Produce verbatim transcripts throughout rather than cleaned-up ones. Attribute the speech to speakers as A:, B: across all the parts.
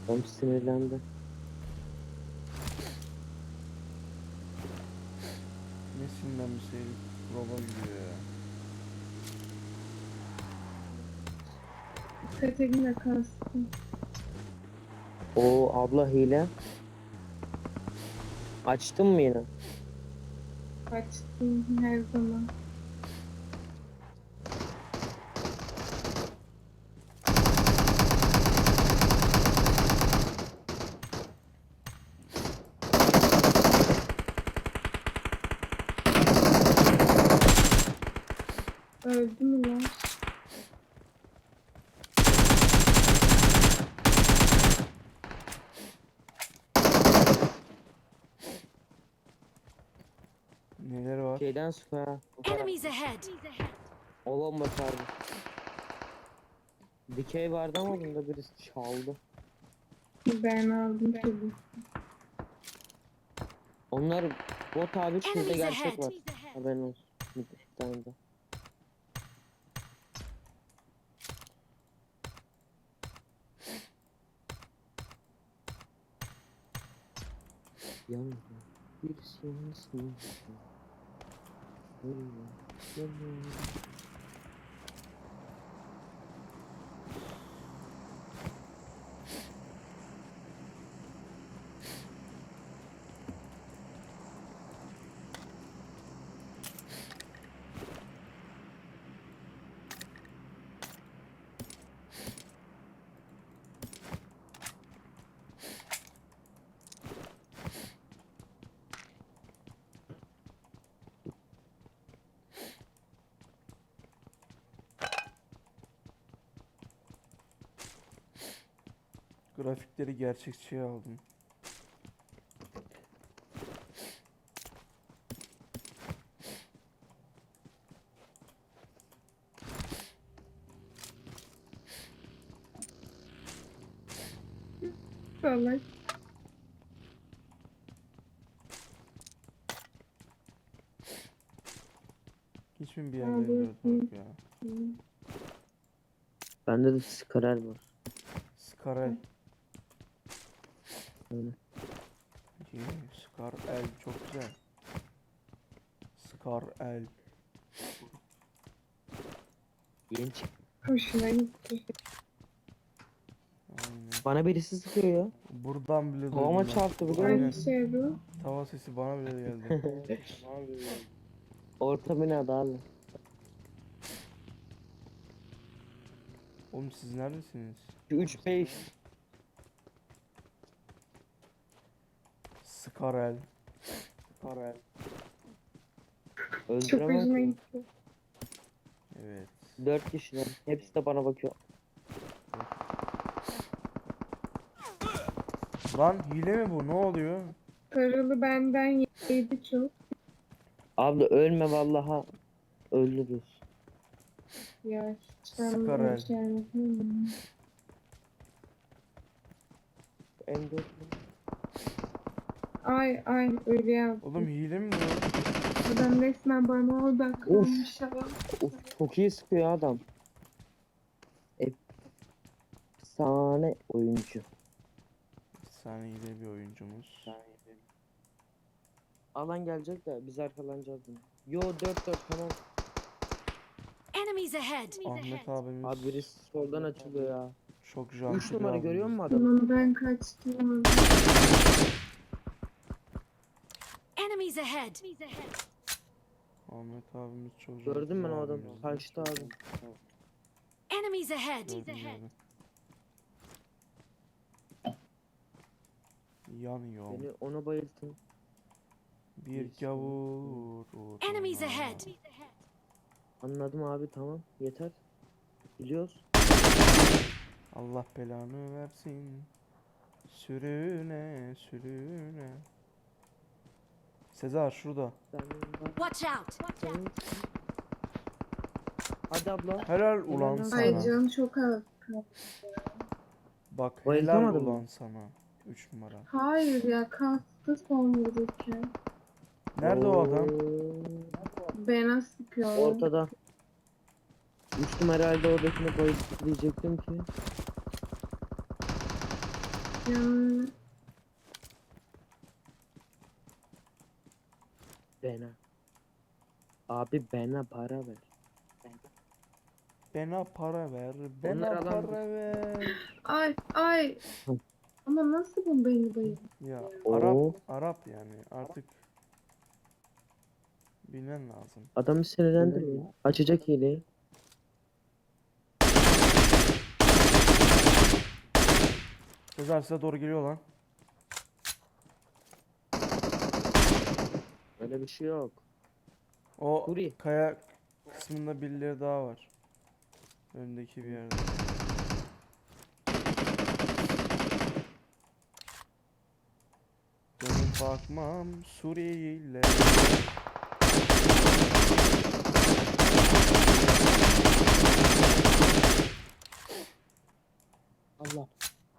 A: Adam sinirlendi.
B: Nesinden bir şey roba gidiyor ya.
C: Katerina kastım.
A: O abla hile. Açtın mı yine?
C: Açtım her zaman. Öldü mü lan?
B: Neler var?
A: Şeyden sıkıyor ha.
D: Enemies ahead!
A: O bomba sardı. Dikey vardı ama bunda birisi çaldı.
C: Ben aldım tabii.
A: Onlar bot abi, şurada
D: Enemies
A: gerçek
D: ahead!
A: var. Haberin olsun. Bir tane de. Yanına birisi yansın.
B: Grafikleri gerçekçiye aldım.
C: Salak.
B: Hiç mi bir yerlerinde yok ya?
A: Bende de skarer var.
B: Skarel.
A: Öyle.
B: Yeah, Scar el çok güzel. Scar el.
A: Yeni çıktı.
C: Hoşuna gitti.
B: Aynen.
A: Bana birisi sıkıyor ya.
B: Buradan bile duydum
A: Havama
B: ben.
A: çarptı biliyor
B: Aynen.
A: musun?
C: Hangi şey bu?
B: Tava sesi bana bile geldi.
A: Orta binada abi.
B: Oğlum siz neredesiniz?
A: üç beş.
B: Skarel. Skarel.
C: Çok
A: Öldüremem
C: hoşuna
A: ki.
C: gitti.
B: Evet.
A: dört kişiler. Hepsi de bana bakıyor.
B: Lan hile mi bu? Ne oluyor?
C: Paralı benden yedi çok.
A: Abla ölme vallaha. Öldürürüz.
C: Ya hiç ben
B: Skarel.
C: böyle şey anlatamam.
A: M dört.
C: Ay ay öyle yaptı.
B: Oğlum hile mi bu?
C: Adam resmen bana odaklanmış ama.
A: Uf, çok iyi sıkıyor adam. Efsane oyuncu.
B: Efsaneydi bir oyuncumuz.
A: Alan gelecek de biz arkalanacağız bunu. Yo dört dört tamam.
D: Enemies ahead!
B: Ahmet abimiz
A: Abi birisi soldan açılıyor ya.
B: çok janti
A: üç
B: bir
A: numara
B: abimiz.
A: görüyor musun adamı?
C: Tamam ben kaçtım.
D: Enemies ahead!
B: Ahmet abimiz çok janti
A: Gördün mü
B: bir
A: o adamı?
B: abimiz.
A: Kaçtı abi.
D: Enemies ahead!
B: Gördüm, gördüm. Yanıyor.
A: Beni ona bayıltın.
B: Bir gavur uğruna.
D: Enemies ahead!
A: Anladım abi tamam. Yeter. Biliyoruz.
B: Allah belanı versin. Sürüne sürüne. Sezar şurada.
A: Sen bak.
D: Watch out!
A: Sen- Hadi abla.
B: Helal ulan
A: Helal.
B: sana.
C: Ay canım çok az.
B: Bak helal
A: Bayıltamadın mı?
B: ulan sana. üç numara.
C: Hayır ya kastı son vururken.
B: Nerede o adam?
C: Bana sıkıyor.
A: Ortada. üç numara halde oradakini bayılttı diyecektim ki.
C: Yanına.
A: Bana. Abi bana para ver.
B: Bana para ver.
A: Onlar
B: Bana
A: alan-
B: para ver.
C: Ay ay.
A: Hı.
C: Ama nasıl bu beni bayıldı?
B: Ya
A: Oo.
B: Arap Arap yani artık bilmen lazım.
A: Adamı sinirlendirme. Açacak hileyi.
B: Sezer size doğru geliyor lan.
A: Öyle bir şey yok.
B: O
A: Suri.
B: kaya kısmında birileri daha var. Öndeki bir yerde. Dönüp bakmam Suriye'yle.
A: Allah.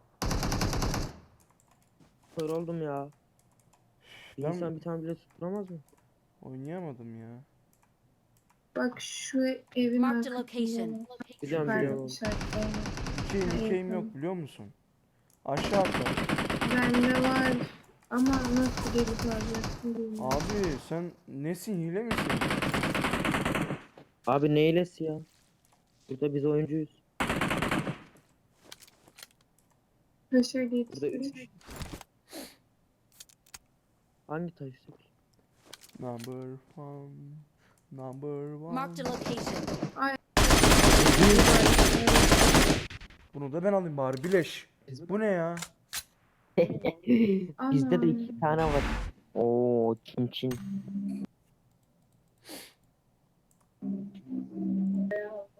A: Kör oldum ya. Bir
B: Ben
A: insan bir tane bile tutturamaz mı?
B: oynayamadım ya.
C: Bak şu evin
D: Marked a
C: arkasında.
D: location.
A: Biliyorum
C: Ben
A: biliyorum.
C: işaretlerim.
B: İki
C: Ha,
B: ikeyim
C: yakın.
B: yok biliyor musun? Aşağı atla.
C: Bende var. Ama nasıl gelip alacaksın bilmiyorum.
B: Abi sen nesin, hile misin?
A: Abi ne hilesi ya? Burada biz oyuncuyuz.
C: Taşa
A: Burada
C: geçti.
A: üç kişi. Hangi taştık?
B: Number one. Number one.
D: Marked a location.
B: Bunu da ben alayım bari bileş. Bu ne ya?
A: Bizde de
C: Aman.
A: iki tane var. Oo çin çin.